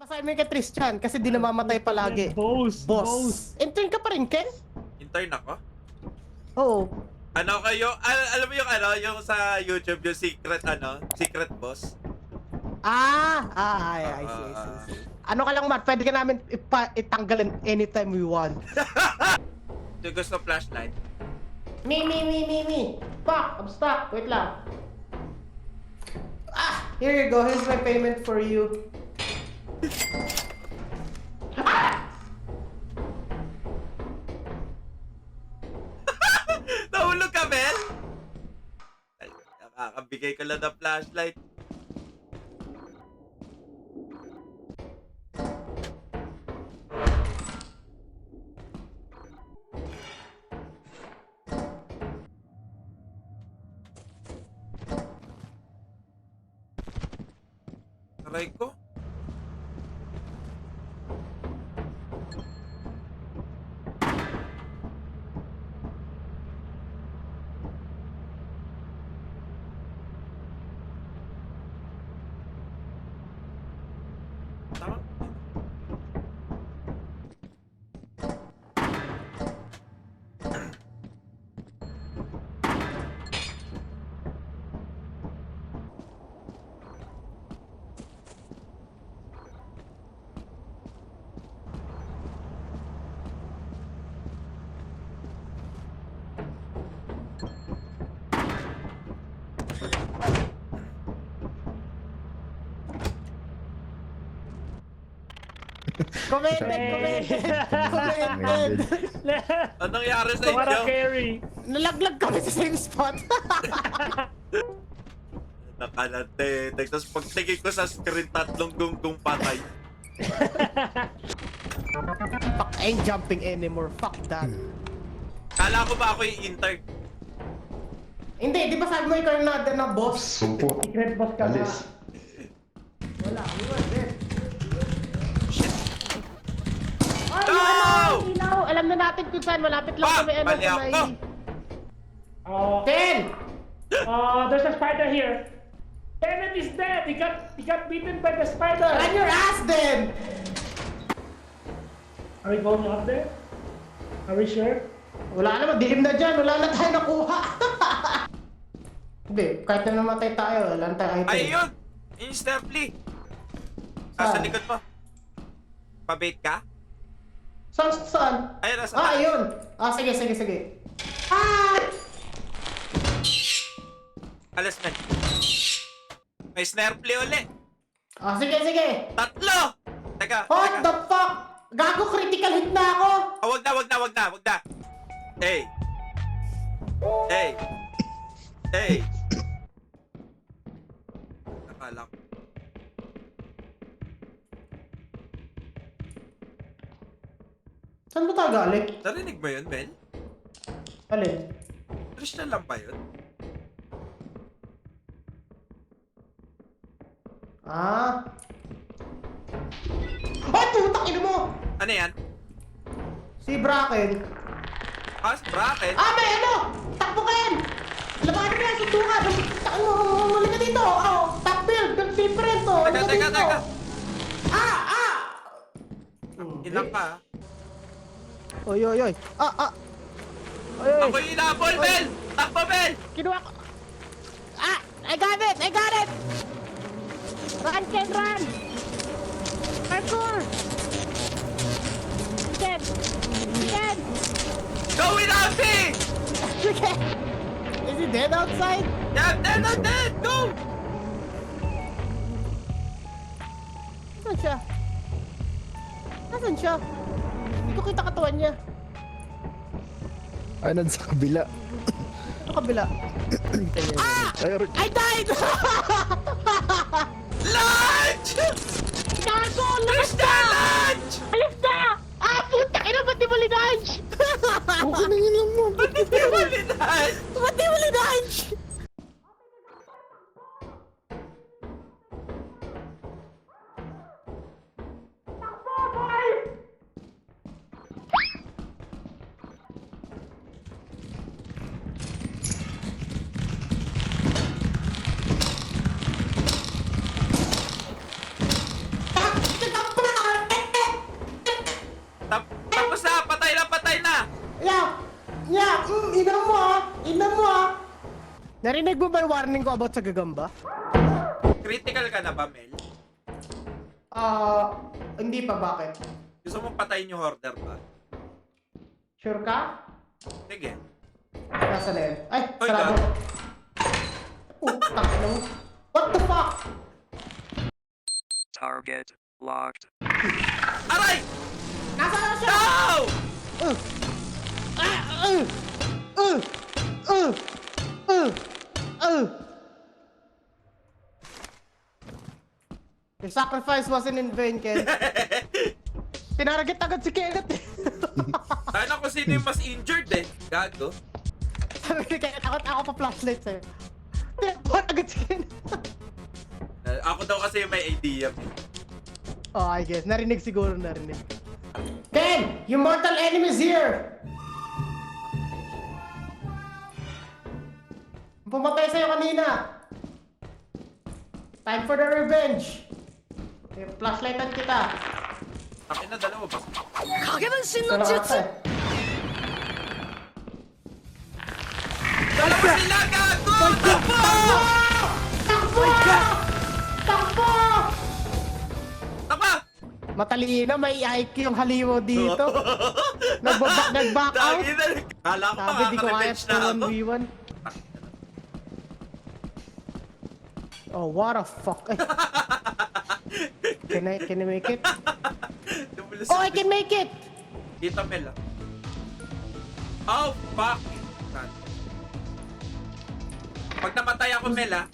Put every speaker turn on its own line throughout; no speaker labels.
assignment kay Tristan kasi di namamatay palagi. Boss. Intern ka pa rin, Ken?
Intern ako?
Oo.
Ano kayo? Alam mo yung ano, yung sa YouTube, yung secret boss?
I see. Ano ka lang, Matt, pwede ka namin itanggalin anytime we want.
Yung gusto flashlight?
Me. Fuck, I'm stuck. Wait lang. Here you go. Here's my payment for you.
Nahulog ka, Mel? Ay, nakakabigay ka lang ng flashlight. Aray ko. Tama?
Commented.
Anong nangyari sa
Para
inyo?
carry.
Nalaglag kami sa same spot.
Nakalante. Tapos pagtingin ko sa screen, tatlong gunggong patay.
Fuck, I ain't jumping anymore. Fuck that.
Kala ko ba ako yung intern?
Hindi, di ba sabi mo ikaw yung nader na boss?
Sumpo.
Secret boss ka ba?
Alis.
Wala, we were dead. Ay,
No!
ilaw! Alam na natin kung saan. Malapit lang
Fuck!
kami.
Mali
sa
ako!
Ken!
There's a spider here. Bennett is dead. He got bitten by the spider.
Run your ass then!
Are we going up there? Are we sure?
Wala naman, dilim na dyan. Wala na tayo nakuha. Hindi, kahit na namatay tayo, wala na tayo item.
Ay, yun! Instantly! Sa
Saan?
likod mo. Pabait ka?
Saan?
Ayun, nasa
Ayun! Sige.
Alas na. May snare play uli.
Sige.
Tatlo! Teka,
What
teka.
the fuck? Gago, critical hit na ako!
Wag na. Hey. Nakala ko.
Saan ba tayo galing?
Narinig mo yun, Mel?
Alin?
Tristan lang ba yun?
Ay, putang ina mo!
Ano yan?
Si Bracken.
Bracket?
May ano! Takbo ka yan! Labanan mo yan, sundukan! Muli ka dito! Top build! Build different to!
Teka. Ilang ka?
Oy! Oy!
Ako yung inabol, Mel! Takbo, Mel!
Kinuha ko! I got it! Run, Ken, run! Parkour! Ken!
Go without me!
Sige! Is he dead outside?
Yeah, I'm dead! Go!
Nasaan siya? Hindi ko kita katawan niya.
Ay, nandun sa kabila.
Sa kabila.
Ay,
I died!
Lunch!
Gago! Lakas
Tristan, lunch!
Alis na! Puta! Ina, ba't di mo linunch?
okay na yun lang mo.
Ba't hindi mo linunch?
Ba't di mo linunch? Takbo
Narinig mo ba yung warning ko about sa gagamba?
Critical ka na ba, Mel?
Hindi pa, bakit?
Gusto mo patayin yung hoarder ba?
Sure ka?
Sige.
Nasa na yun? Ay,
Oy,
sarado.
God.
Tangin mo. What the fuck?
Target locked.
Aray!
Nasaan na siya?
No!
Your sacrifice wasn't in vain, Ken. Tinarget agad si Kenneth.
Sana kung sino yung mas injured eh. Gago.
Sabi ni Kenneth, ako pa flashlight sa'yo. Tinarget agad si Kenneth.
Ako daw kasi yung may idea.
Oh, I guess. Narinig siguro, narinig.
Ken! Your mortal enemy's here! Pumatay sa'yo kanina! Time for the revenge! Okay, flashlightan kita.
Akin na dalawa ba?
Salamat eh.
Dalawa sila! Gago! Takbo!
Takbo! Takbo!
Takbo!
Matalino, may IQ yung haliwo dito. Nag-back out.
Tangina. Kala ko
Sabi, di ko kaya
makaka-revenge na ako.
1v1. Oh, what a fuck. Ay. Can I make it?
Dumulas
Oh, I can make it!
Dito, Mel ah. Oh, fuck! Pag namatay ako, Mel ah.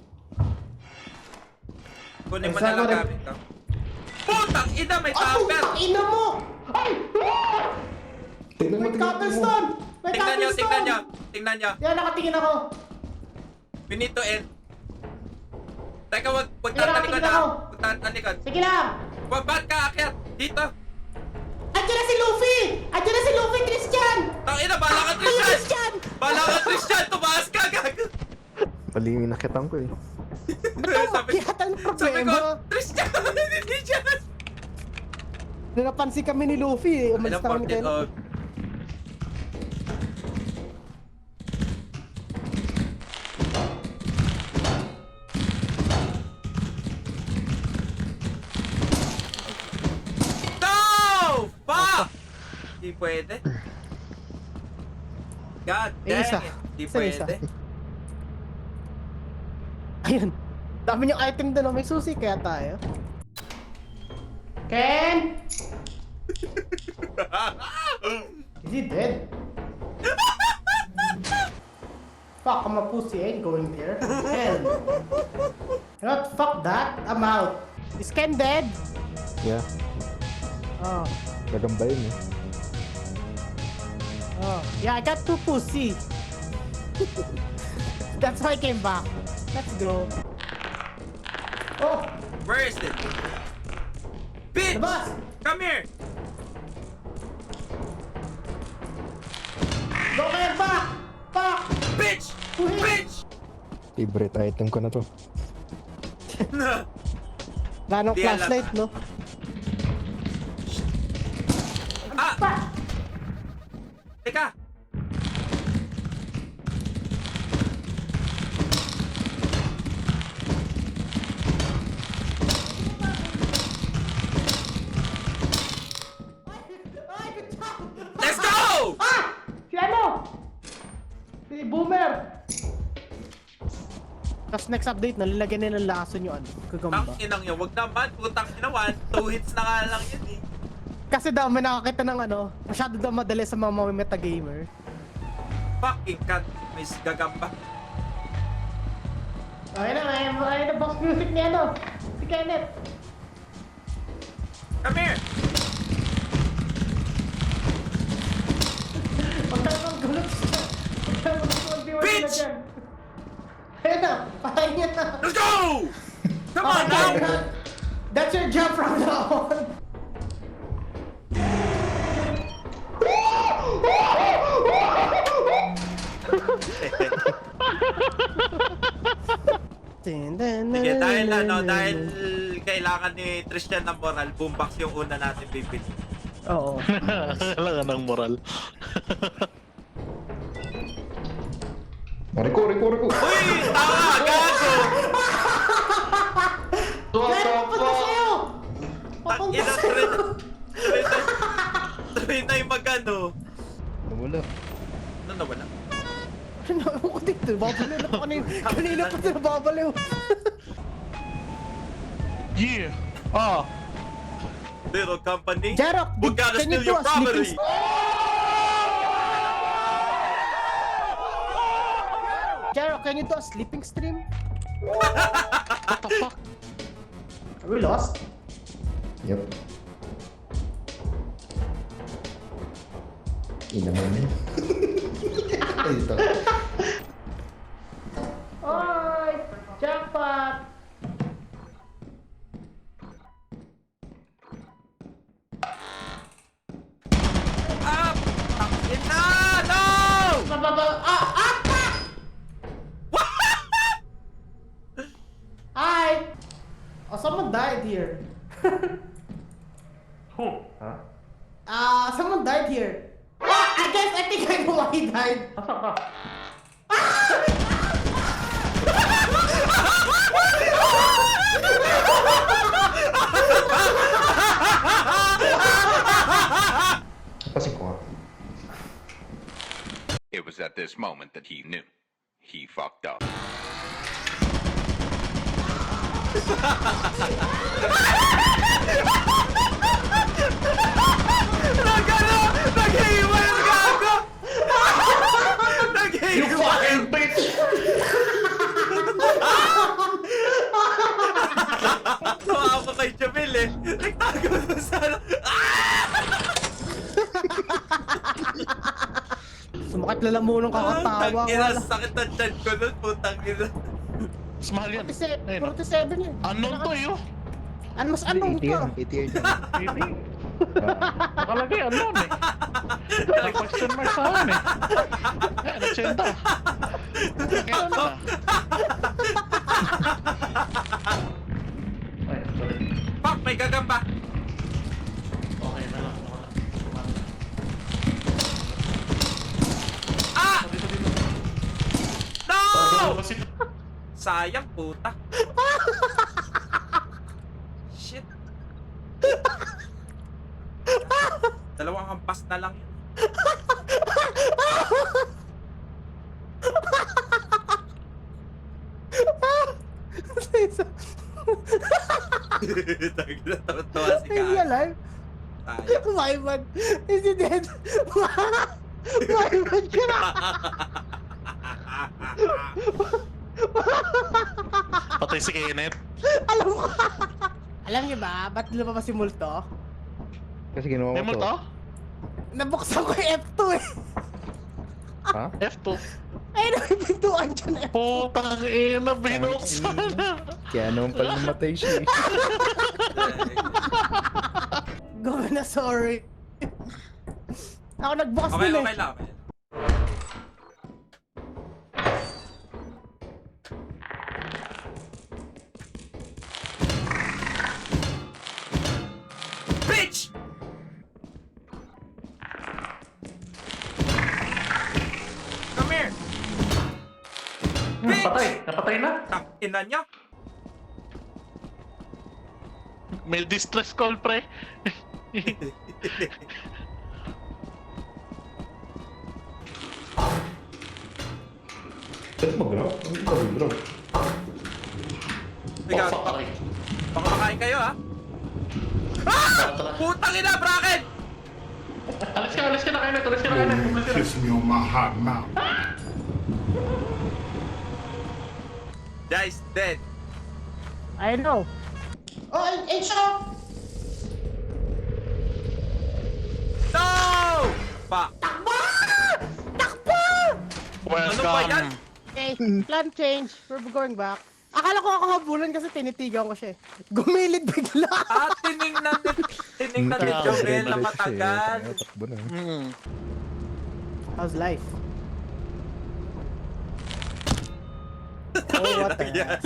Kunin mo
Ay,
na lang
saan mo
gamit ko. Putang ina, may
Ay,
tupper!
ina mo! Ay!
Tingnan mo,
May
tingnan mo.
cobblestone! May
Tingnan nyo, tingnan nyo.
cobblestone!
Tingnan nyo.
Yan, nakatingin ako.
We need to end. Teka, wag
Tingnan
tatalikod
ako.
ah. Wag tatalikod.
Sige lang!
Wag, ba't ka akyat? Dito.
Andiyan na si Luffy! Andiyan na si Luffy, Christian!
Tangina, bala ka,
Ay,
Tristan!
Christian!
Bala ka, Tristan! Tumaas ka, gago!
Mali yung nakitan ko eh.
Sabi
Kaya ang
ko,
problema.
Tristan! Hindi siya!
Napansin kami ni Luffy eh. Umalis na kami
Teleported
kayo.
off. No! Fuck! Hindi pwede. God
Eh, isa.
dang it. Hindi
Isa, isa.
pwede.
Ayun. Dami yung item doon. May susi kaya tayo.
Ken! Is he dead? Fuck, I'm a pussy. I ain't going there. Hell. You know what? Fuck that. I'm out.
Is Ken dead?
Yeah,
Oh.
gagamba yun eh.
Oh. Yeah, I got two pussy. That's why I came back. Let's go.
Oh!
Where is it? Bitch!
Labas!
Come here!
Go kayo back! Fuck!
Bitch! Bitch!
Favorite item ko na to.
Ganong
Di
flashlight,
alam,
no?
Ah!
Fuck!
Teka!
Ay, good job!
Let's go!
Ah! Si ano? Si Boomer!
Tapos next update, nalalagyan nila ng lason yung ano,
Ang
gagamba.
inang yun, wag naman. Putang inawan. 2 hits na nga lang yun eh.
Kasi daw, may nakakita ng ano, masyado daw madali sa mga metagamer.
Fucking cat. May gagamba.
Okay na, may na box music ni ano? Si Kenneth.
Come here!
Huwag tayo magulot siya. Huwag tayo magulot
Bitch!
dyan. Ayun na, patay niya na.
Let's go! Come on
Okay,
now!
that's your job from now on.
Sige, dahil ano, dahil kailangan ni Tristan ng moral, boombox yung una natin bibili.
Oo.
Kailangan ng moral.
Riko.
Uy! Tama! Gago!
Gary, papunta sa'yo! Papunta
Tangina,
sa'yo!
try na yung magano.
Nawala.
Ano nawala?
Ano ko dito? Babaliw na kanina. Kanina pa sila babaliw.
Yeah. Ah.
Little company.
Jarok,
We gotta
can you
steal
do
your
a sleeping
property.
Jarok, can you do a sleeping stream?
What the fuck?
Are we lost?
Yep. Ina mo na. Ay, ito.
Oy! Jackpot!
Up! Tangina! No!
Hi! Oh, someone died here.
Who?
Someone died here. I think I know why he died.
Asan ka?
Kasi ko.
It was at this moment that he knew. He fucked up.
Nagano! Nag-iiwan yung gago! Nag-iiwan!
Fucking bitch!
Tawa ako kay Jamil eh. Nagtago na sana.
Sumakit lalamunan kakatawa.
Tangina, sakit na chan ko nun. Putang ina.
Mas mahal yan.
47,
Ayun.
47 yun.
Unknown to eh, oh.
Ano mas anong to?
88 yan.
Hindi. Nakalagay, unknown eh. May question mark sa akin eh. Eh, nagsenda. Kailan na?
Ay, sorry.
Fuck, may gagamba.
Okay na lang.
Ah! No!
Kasi
Sayang, puta. Shit. Dalawang hampas na lang yun. Tangina, tawa-tawa si
Is he
Gago.
alive?
Sayang.
Wyman! Is he dead? Wyman ka na!
Patay si Kenneth.
Alam ko! Alam niyo ba, ba't lumabas si Multo?
Kasi ginawa
May
ko
multo?
to.
Nabuksan ko yung F2 eh!
Ha?
F2.
Ay, nakipintuan dyan eh!
Putang ina, binuksan na.
Kaya naman pala namatay siya eh.
Gawin na sorry. Ako nagbukas
Okay,
din eh.
okay lang. Okay. Bitch! Come here! Bitch!
patay. Napatay na.
Tangina niya.
May distress call, pre.
Ba't mag-grab? Ano ka mag-grab?
Ikaw,
Oh, fuck, aray.
baka makain kayo ha? Ah! Putang ina, bracket!
Alis ka na kayo na. Alis ka na kayo na.
Kiss me on my hot mouth.
Guy's dead.
I know.
Oh, Encho!
No! Pa. Ano ba yan?
Welcome.
Okay, plan change. We're going back. Akala ko ako habulan kasi tinitigan ko siya eh. Gumilid bigla.
Ah, tiningnan ni
Tagal.
Jomel na matagal.
Takbo na.
Hmm.
How's life? Oh, what the
Yes.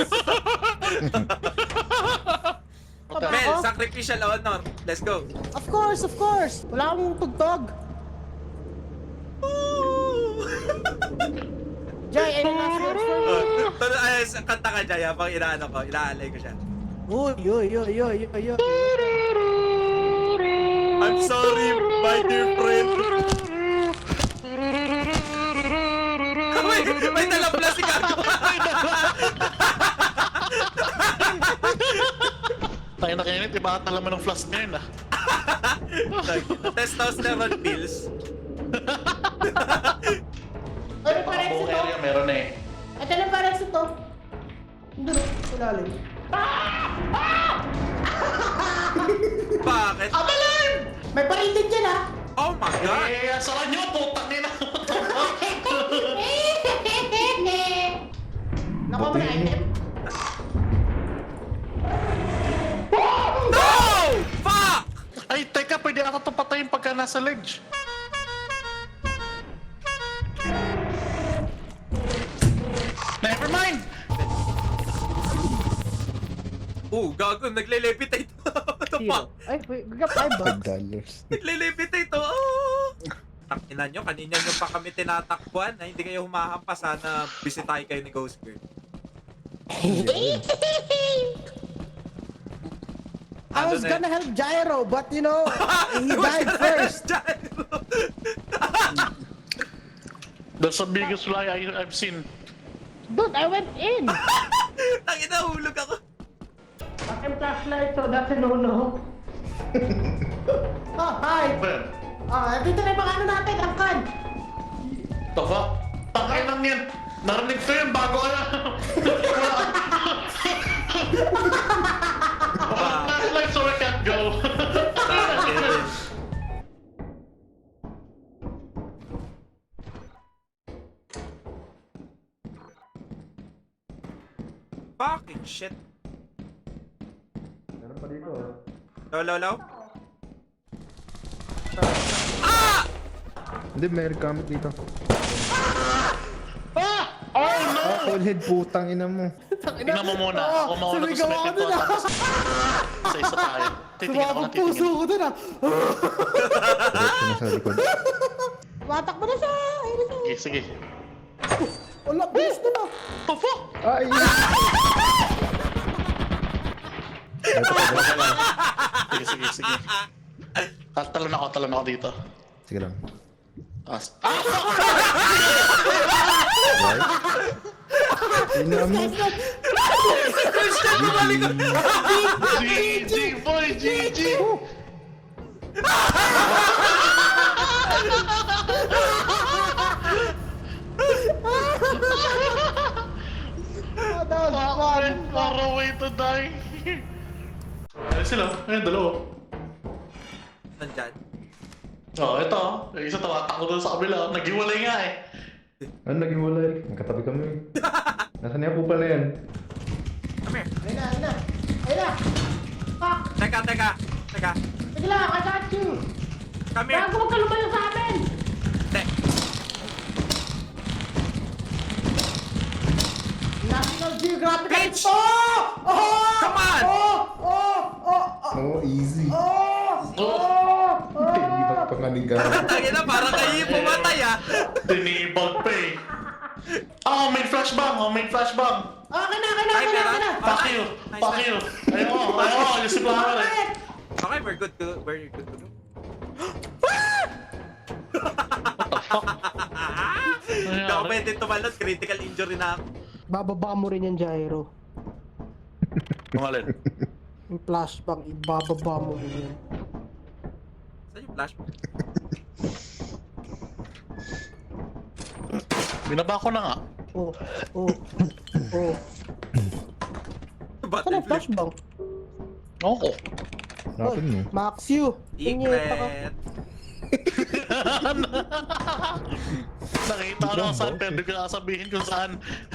Tama
Mel,
ako?
sacrificial honor. Let's go.
Of course, of course. Wala akong tugtog. Jay, any last words for me?
Kanta ka dyan, habang inaalay ko siya.
Uy, uy, uy, uy, uy, uy.
I'm sorry, my dear friend. May dalang plastic ako.
Tayo na kainit, iba ka talaman ng flask ngayon ah.
Testosterone pills.
Ano pa rin
Buong
ito?
area meron eh.
Ito na pa rin ito.
Dulo, ilalim.
Bakit?
Abalin! May parintin dyan ha!
Oh my God!
Eh, asaran nyo, putang nila.
Nakuha mo na item?
No! Fuck!
Ay, teka, pwede ata itong patayin pagka nasa ledge. Never mind!
Gago, nagle-levitate. What the fuck?
Ay, wait, we got $5.
Nagle-levitate, oh! Takinan nyo, kanina nyo pa kami tinatakbuhan na hindi kayo humahampas. Sana bisitahin kayo ni Ghost Girl.
I was gonna help Gyro, but you know, he died first.
That's the biggest lie I've seen.
Dude, I went in!
Tangina, hulog ako.
Aking flashlight, so that's a no-no. Oh, hi!
Ben,
Dito na yung mga ano natin, angkan!
the fuck? Tangay lang yan. Narinig ko yun bago ka na. Flashlight so I can't go.
Fucking shit.
Meron pa dito.
Low.
Hindi, may gamit dito.
Oh no!
Full head, putang ina mo.
Tingnan mo muna. Ako mauna to sa
sumigaw ako
may
dun,
pinto. Isa tayo. Titingin ako
Sumabog
ng
puso
titingin.
ko dun ah.
Diretso na sa likod.
Tumatakbo na siya! Ayun na siya!
Sige.
Wala, bilis na na.
The fuck?
Ay! Ito pa ba?
Sige. Talon ako dito.
Sige lang.
Right?
Ina mo.
GG boy, GG!
That was fun.
Far away to die. Ayun sila, ayun dalawa.
Nandyan.
Ito. Yung isa tawatak ko doon sa kabila. Naghiwalay nga eh.
Ano naging walay? Magkatabi kami. Nasaan niya kupal na yan?
Come here.
Ayun na! Fuck!
Teka.
Sige lang, I got you!
Come here.
Bago huwag ka lumayo sa amin!
Te.
National Geographic!
Bitch!
Oh!
Come on!
Oh, easy.
Oh!
Ibang panganigaw.
Tangina, parang kayo yung pumatay ah.
Tinibag pa eh. May flashbang.
Okay na!
Fuck you. Ayun, yung siplahan eh.
Okay, we're good to go. Hindi ako pwede tumalon, critical injury na ako.
Bababa mo rin yan, Gyro.
Kumalin.
Yung flashbang, ibababa mo rin yan.
Saan yung flash?
Binaba ko na nga.
Oh.
Ba't
Saan ang flashbang?
Oo.
Napin mo.
Max you. Pinyeta ka.
Secret.
Nakita ko na kung saan, pero hindi ko sabihin kung saan.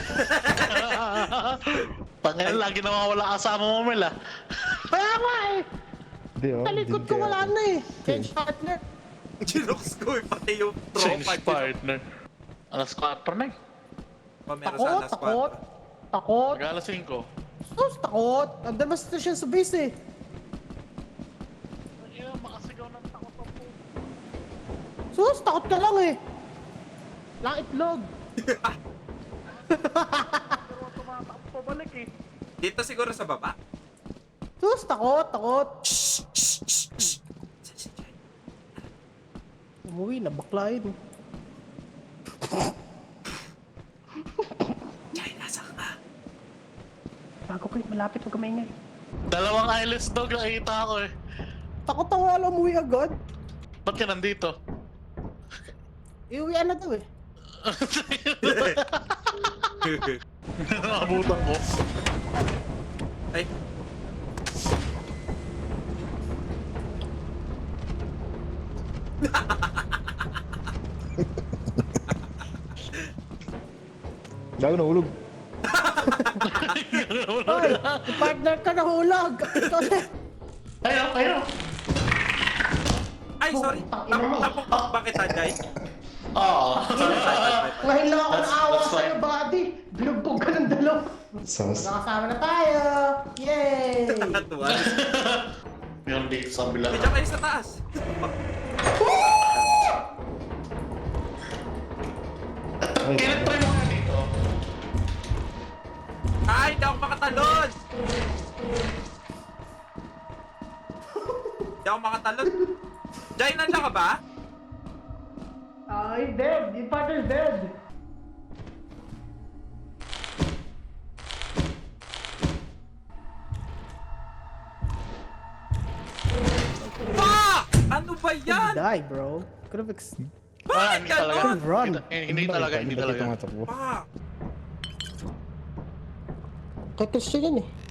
Pangalan, lagi na mawala kasama mo, Mel ah.
Kaya nga eh.
Hindi, oh.
Sa likod ko wala na eh. Change partner.
Chinooks ko eh, pati yung
Change
tropa.
partner. Alas 4 na eh.
Meron sa alas 4.
Takot.
Mag-alas 5.
Sus, takot. Andun mas na siya sa base eh.
Ayun, makasigaw ng takot ang po.
Sus, takot ka lang eh. Lang itlog.
Pabalik eh.
Dito siguro sa baba.
Sus, takot.
Saan si Jai?
Umuwi na, bakla yun.
Jai, nasa ka?
Bago kayo, malapit, huwag ka maingay.
Dalawang eyeless dog nakita ako eh.
Takot ako, wala umuwi agad.
Ba't ka nandito?
Iuwian na daw eh.
Nakabutan ko.
Ay.
Gago nahulog.
Hoy, yung partner ka nahulog. Ikaw na.
Ayun.
Ay, sorry. Tapok ba kita, Jai?
Oo.
Ngayon lang ako naawa sa'yo, buddy. Binugbog ka ng dalaw.
Sas.
Nakasama na tayo. Yay!
Nakatuwa.
Meron dito sa bila.
Medyo kayo sa taas.
Kailan try mo nga dito?
Ay, hindi ako makatalon! Hindi ako makatalon. Jai, nandiyan ka ba?
He's dead. Yung partner's dead.
Fuck! Ano ba yan?
Die, bro. Could have
Ah,
Bakit
hindi talaga.
ganon?
Run.
Hindi talaga.
Tumatakbo.
Fuck!
Kay Christian yan eh.